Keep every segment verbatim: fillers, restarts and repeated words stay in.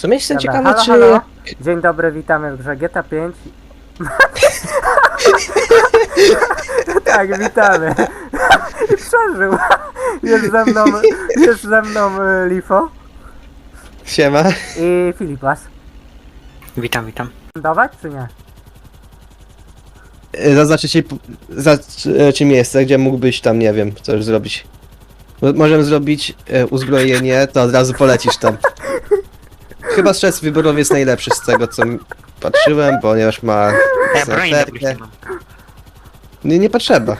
sumie jestem Dobra, ciekawy, halo, czy... halo. Dzień dobry, witamy w grze G T A pięć. Tak, witamy. Przeżył. Jest ze mną, jest ze mną y, Lifo Siema. i Filipas. Witam, witam. Dawać czy nie? Zaznaczę ci, zaznaczy miejsce, gdzie mógłbyś tam, nie wiem, coś zrobić. Mo- Możemy zrobić e, uzbrojenie, to od razu polecisz tam. Chyba stres wyborowy jest najlepszy z tego, co m- patrzyłem, ponieważ ma Ja broń na snajperkę. plusie mam. Nie, nie potrzeba.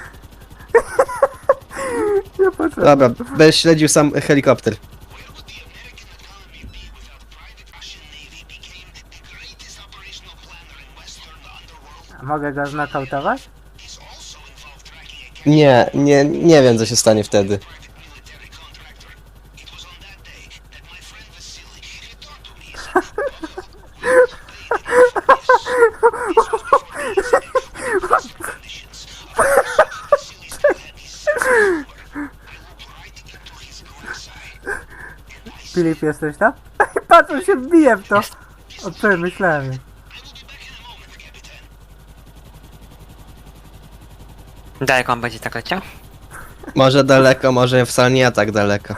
Nie potrzeba. Dobra, będziesz śledził sam helikopter. Mogę go znokautować? Nie, nie, nie wiem, co się stanie wtedy. Filip, jesteś tam? Patrz, on się wbije w to. O czym myślałem. Daleko on będzie tak leciał? Może daleko, może wcale nie tak daleko.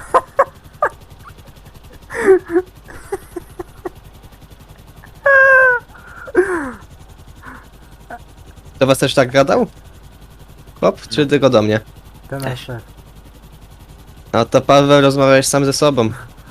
To was też tak gadał? Hop, czy tylko do mnie? To nasz Też. szef. No to Paweł, rozmawiałeś sam ze sobą.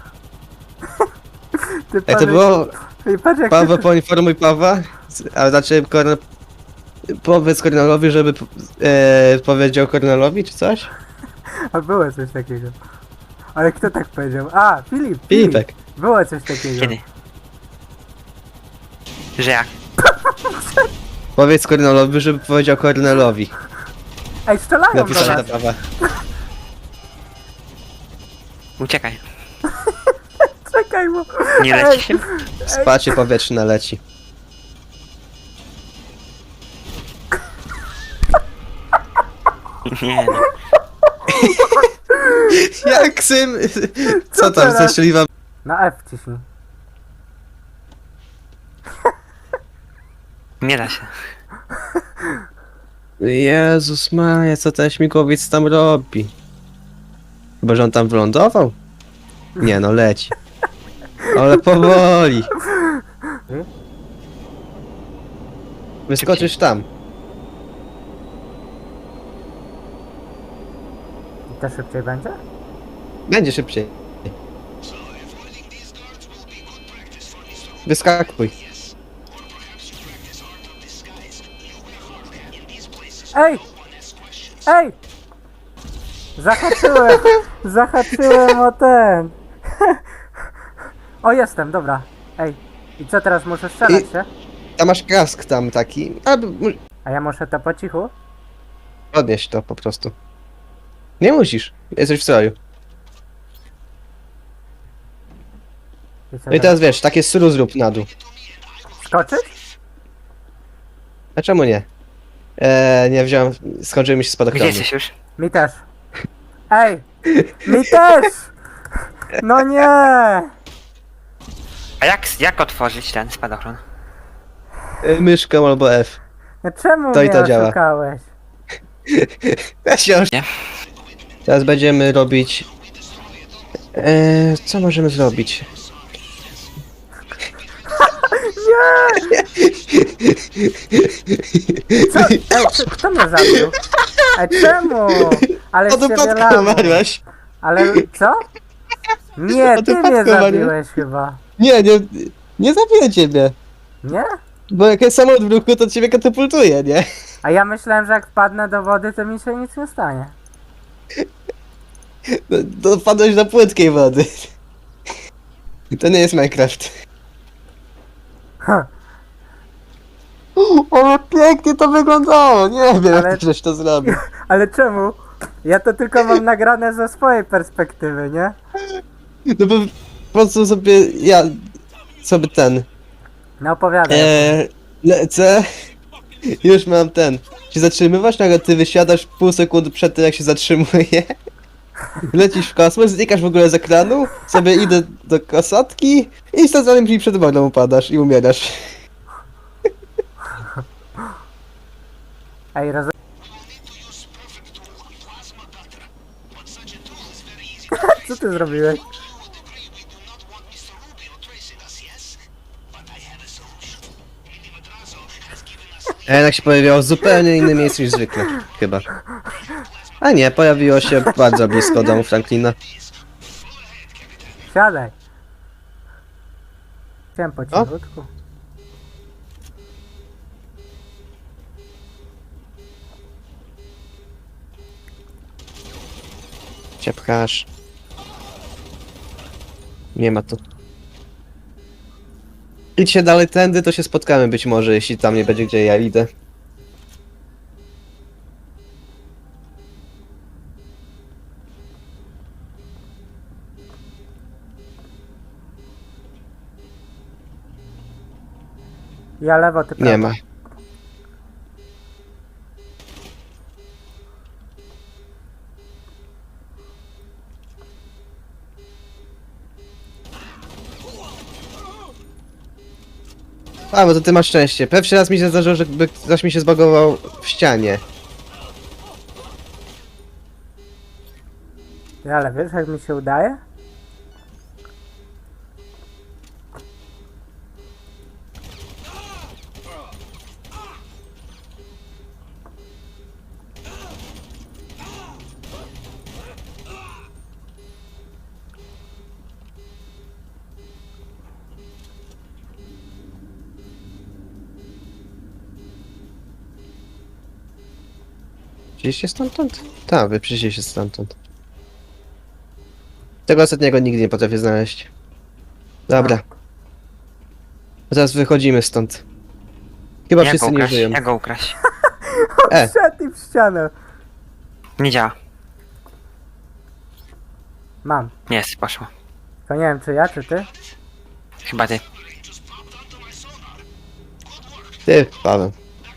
Ty Jak to powiedz- było? Ej, patrz jak Paweł, ty... poinformuj Pawła, a znaczy Kornel... Powiedz Kornelowi, żeby e, powiedział Kornelowi, czy coś? A było coś takiego. Ale kto tak powiedział? A, Filip! Filipek. Było coś takiego. Kiedy? Że jak? Powiedz Kornelowi, żeby powiedział Kornelowi. Ej, strzelają do Napisałem nas! do Pawła. Uciekaj. Czekaj, bo... Nie Ej, leci się? Spacie powietrzne leci. Nie no. Jak sym... Co tam, teraz? zeszliwa? Na F ciśnij. Nie da się. Jezus Maria, co ten śmigłowiec tam robi? Chyba, że on tam wylądował? Nie no, leci. Ale powoli. Wyskoczysz tam. I to szybciej będzie? Będzie szybciej. Wyskakuj. Ej! Ej! Zahaczyłem! Zahaczyłem o ten! O, jestem, dobra. Ej, i co teraz, muszę strzelać I- się? Tam masz kask tam taki. Albo mu- A ja muszę to po cichu? podnieś to po prostu. Nie musisz. Jesteś w stroju. I co No i teraz wiesz, takie suru zrób na dół. Skoczyć? A czemu nie? Eee, nie wziąłem. Skończyły mi się Gdzie spadochrony. jesteś już? Mi też. Ej! Mi też! No nie! A jak, jak otworzyć ten spadochron? E, myszką albo F. No czemu To i mnie to działa. oszukałeś? Ja się już... Nie? Teraz będziemy robić... Eee, co możemy zrobić? Co? Ej, czy, kto mnie zabił? Ej, czemu? Ale Od się upadku wylało. umarłaś. Ale co? Nie, Od ty upadku mnie umarłeś. zabiłeś chyba. Nie, nie... Nie zabiję ciebie. Nie? Bo jak jest samolot w ruchu, to ciebie katapultuje, nie? A ja myślałem, że jak wpadnę do wody, to mi się nic nie stanie. No, to wpadłeś do płytkiej wody. To nie jest Minecraft. Ha. Ale pięknie to wyglądało, nie wiem Ale- jak żeś to zrobił. Ale czemu? Ja to tylko mam nagrane ze swojej perspektywy, nie? No bo po prostu sobie, ja sobie ten, No opowiadaj. eee, lecę, już mam ten, się zatrzymywać, nagle ty wysiadasz pół sekundy przed tym jak się zatrzymuje Lecisz w kosmos, znikasz w ogóle z ekranu, sobie idę do kosatki i zanim mi przed wodą upadasz i umierasz. Ej, roz... Co ty zrobiłeś? A jednak się pojawiało w zupełnie innym miejscu niż zwykle, chyba. A nie, pojawiło się bardzo blisko domu Franklina. Siadaj. Chciałem po cichutku. Cię pchasz. Nie ma tu. Idźcie dalej tędy, to się spotkamy być może, jeśli tam nie będzie gdzie ja idę. Ja lewo, ty prawo. Nie ma. A, bo to ty masz szczęście. Pierwszy raz mi się zdarzyło, że by ktoś mi się zbagował w ścianie. Ty, ale wiesz jak mi się udaje? Przyjście stamtąd? Tak, wy przyjście stamtąd. Tego ostatniego nigdy nie potrafię znaleźć. Dobra. Teraz wychodzimy stąd. Chyba Jak go wszyscy nie ukraść? żyją. Jak go ukraść? E, Wszedł i w ścianę. Nie działa. Mam. Jest, poszło. To nie wiem czy ja, czy ty? Chyba ty. ty, Paweł.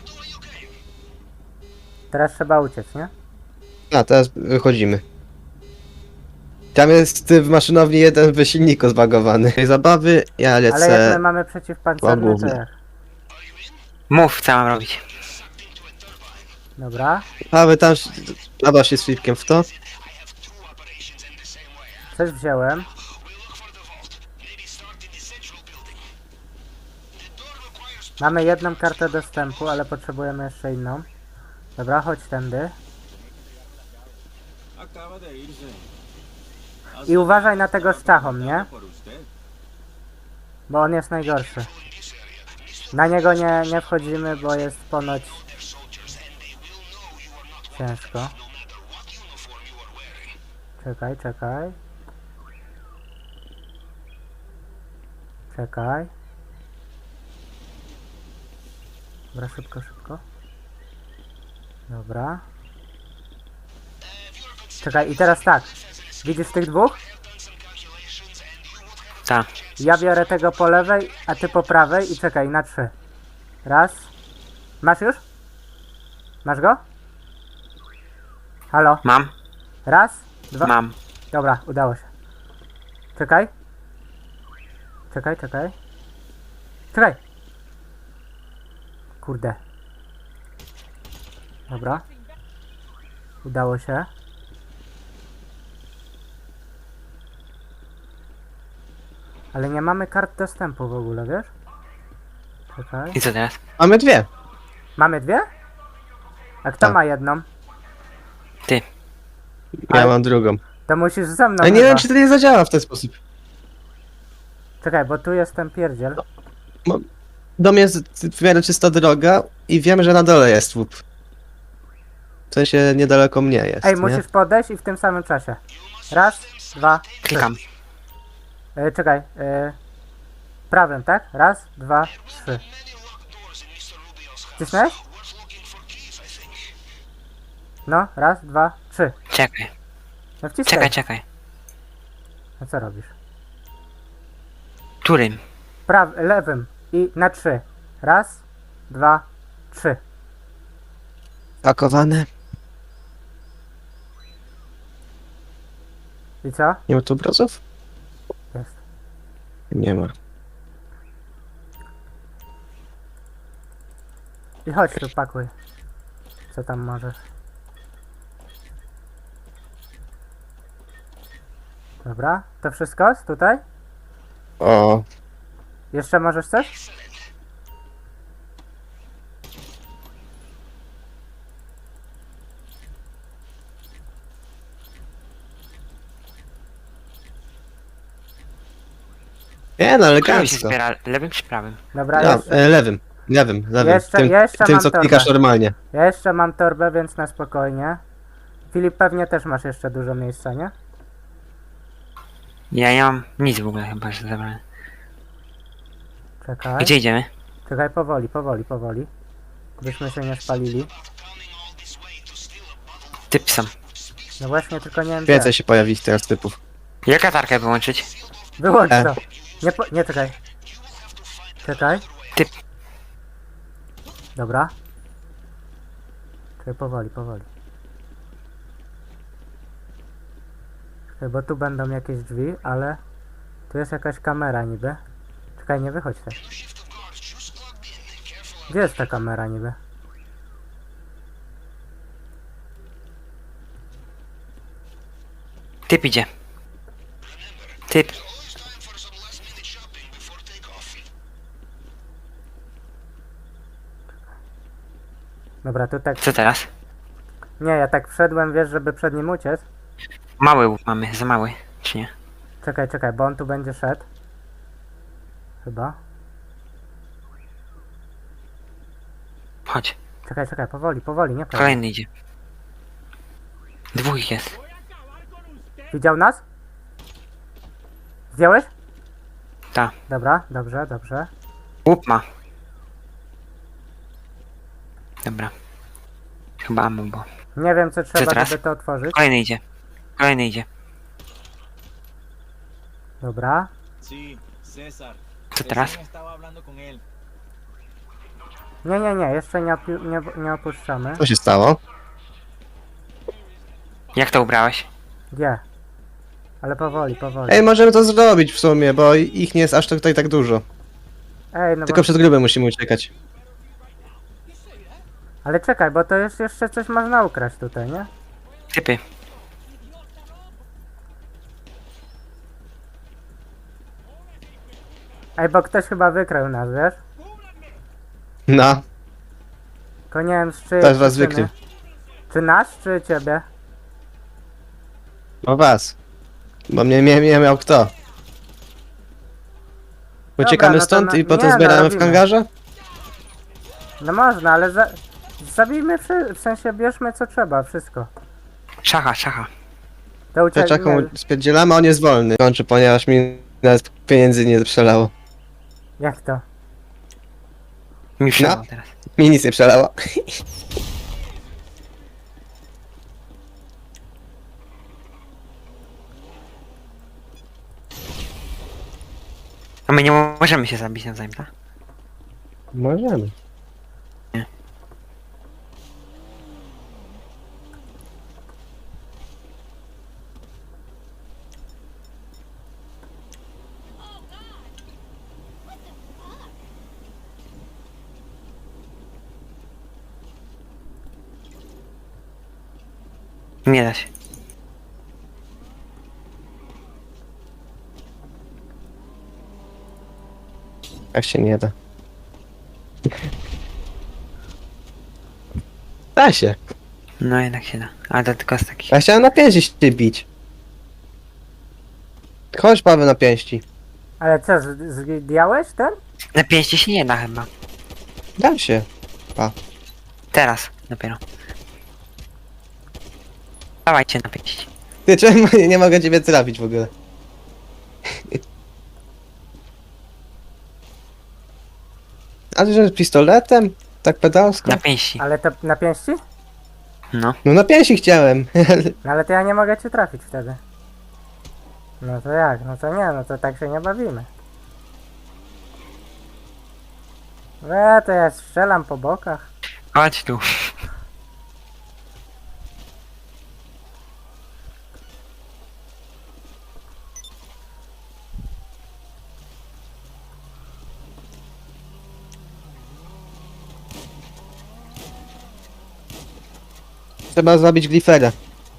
Teraz trzeba uciec, nie? A, teraz wychodzimy. Tam jest w maszynowni jeden w silniku zbagowany. Tej zabawy, ja Ale jak my lecę... mamy przeciwpancerny, to główne. jak? Mów, co mam robić. Dobra. Paweł tam... Zabaw się z Filipkiem w to. Coś wziąłem. Mamy jedną kartę dostępu, ale potrzebujemy jeszcze inną. Dobra, chodź tędy. Acaba de irse. I uważaj na tego z czachą, nie? Bo on jest najgorszy. Na niego nie, nie wchodzimy, bo jest ponoć ciężko. Czekaj, czekaj. Czekaj. Dobra, szybko, szybko. Dobra. Czekaj, i teraz tak. Widzisz tych dwóch? Tak. Ja biorę tego po lewej, a ty po prawej i czekaj, na trzy. Raz. Masz już? Masz go? Halo? Mam? Raz, dwa. Mam. Dobra, udało się. Czekaj. Czekaj, czekaj. Czekaj. Kurde. Dobra. Udało się. Ale nie mamy kart dostępu w ogóle, wiesz? Czekaj. I co teraz? Mamy dwie. Mamy dwie? A kto Tak. ma jedną? Ty. Ja Ale- mam drugą. To musisz ze mną Ale nie chyba. wiem, czy to nie zadziała w ten sposób. Czekaj, bo tu jest ten pierdziel. Dom jest w miarę czysta droga i wiem, że na dole jest łup. W sensie niedaleko mnie jest, Ej, nie? musisz podejść i w tym samym czasie. Raz, dwa, trzy. Klikam. E, czekaj. E, prawym, tak? Raz, dwa, trzy. Wcisnąłeś? No, raz, dwa, trzy. Czekaj. No wciskaj. Czekaj, czekaj. No co robisz? Którym? Praw, lewym i na trzy. Raz, dwa, trzy. Pakowane. I co? Nie ma tu obrazów? Jest. Nie ma. I chodź tu, pakuj. Co tam możesz? Dobra, to wszystko? Z tutaj? O, Jeszcze możesz coś? nie no, Którym się elegancko. zbiera? Lewym czy prawym? Dobra, Ja, jeszcze, e, lewym, lewym, lewym. Jeszcze- tym, jeszcze tym mam co torbę. klikasz normalnie. ja jeszcze mam torbę, więc na spokojnie. Filip, pewnie też masz jeszcze dużo miejsca, nie? Ja nie mam nic w ogóle chyba, że zabrałem. Czekaj. Gdzie idziemy? Czekaj, powoli, powoli, powoli. Byśmy się nie spalili. Typ są. No właśnie, tylko nie wiem gdzie. Więcej się pojawi teraz typów. Jak latarkę wyłączyć? Wyłącz E. to. Nie, po, nie, czekaj. Czekaj. Typ. Dobra. Czekaj, powoli, powoli. Czekaj, bo tu będą jakieś drzwi, ale... Tu jest jakaś kamera niby. Czekaj, nie wychodź tak. Gdzie jest ta kamera niby? Typ idzie. Typ. Dobra, tu tak... Co teraz? Nie, ja tak wszedłem, wiesz, żeby przed nim uciec. Mały łuk mamy, za mały, czy nie? Czekaj, czekaj, bo on tu będzie szedł. Chyba. Chodź. Czekaj, czekaj, powoli, powoli, nie powoli. Kolejny idzie. Dwóch ich jest. Widział nas? Zdjąłeś? Ta. Dobra, dobrze, dobrze. Łup ma. Dobra. Chyba ammo było. Nie wiem, co trzeba, teraz? żeby to otworzyć. Kolejny idzie. Kolejny idzie. Dobra. Sí, César. Co teraz? Recién estaba hablando con él. Nie, nie, nie, jeszcze nie, opi- nie, nie opuszczamy. Co się stało? Jak to ubrałeś? Gdzie? Ale powoli, powoli. Ej, możemy to zrobić w sumie, bo ich nie jest aż tutaj tak dużo. Ej, no Tylko bo... przed grubem musimy uciekać. Ale czekaj, bo to jest jeszcze coś można ukraść tutaj, nie? Typy. Ej, bo ktoś chyba wykrył nas, wiesz? No, Tylko nie wiem z czyjej też was przyczyny. wykrył. Czy nasz, czy ciebie? O was. Bo mnie nie, nie miał kto. Uciekamy no to stąd na- i potem nie, no zbieramy w robimy. hangarze? No można, ale za... zabijmy, wszy... w sensie bierzmy co trzeba, wszystko. Szacha, szacha. To uciek... Czaką nie, spierdzielamy, on jest wolny. Kończy, ponieważ mi nawet pieniędzy nie przelało. Jak to? Mi wszedł teraz. Mi nic nie przelało. A my nie możemy się zabić nawzajem, tak? Możemy. Nie da się. Jak się nie da. Da się. No jednak się da. Ale to tylko z takich. Ja chciałem na pięści się bić. Chodź Paweł na pięści. Ale co, z- zdjąłeś ten? Na pięści się nie da chyba. Da się. Teraz dopiero. Dawajcie na pięści. Ty czemu nie mogę ciebie trafić w ogóle? Ale że pistoletem? Tak pedalsko? Na pięści. Ale to na pięści? No. No na pięści chciałem. No ale to ja nie mogę cię trafić wtedy. No to jak? No to nie, no to tak się nie bawimy. E, to ja strzelam po bokach. Chodź tu. Trzeba zabić Glifera.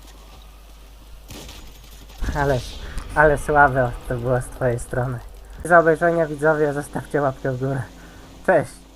Ale, ale słabe to było z twojej strony. Za obejrzenie widzowie, zostawcie łapkę w górę. Cześć!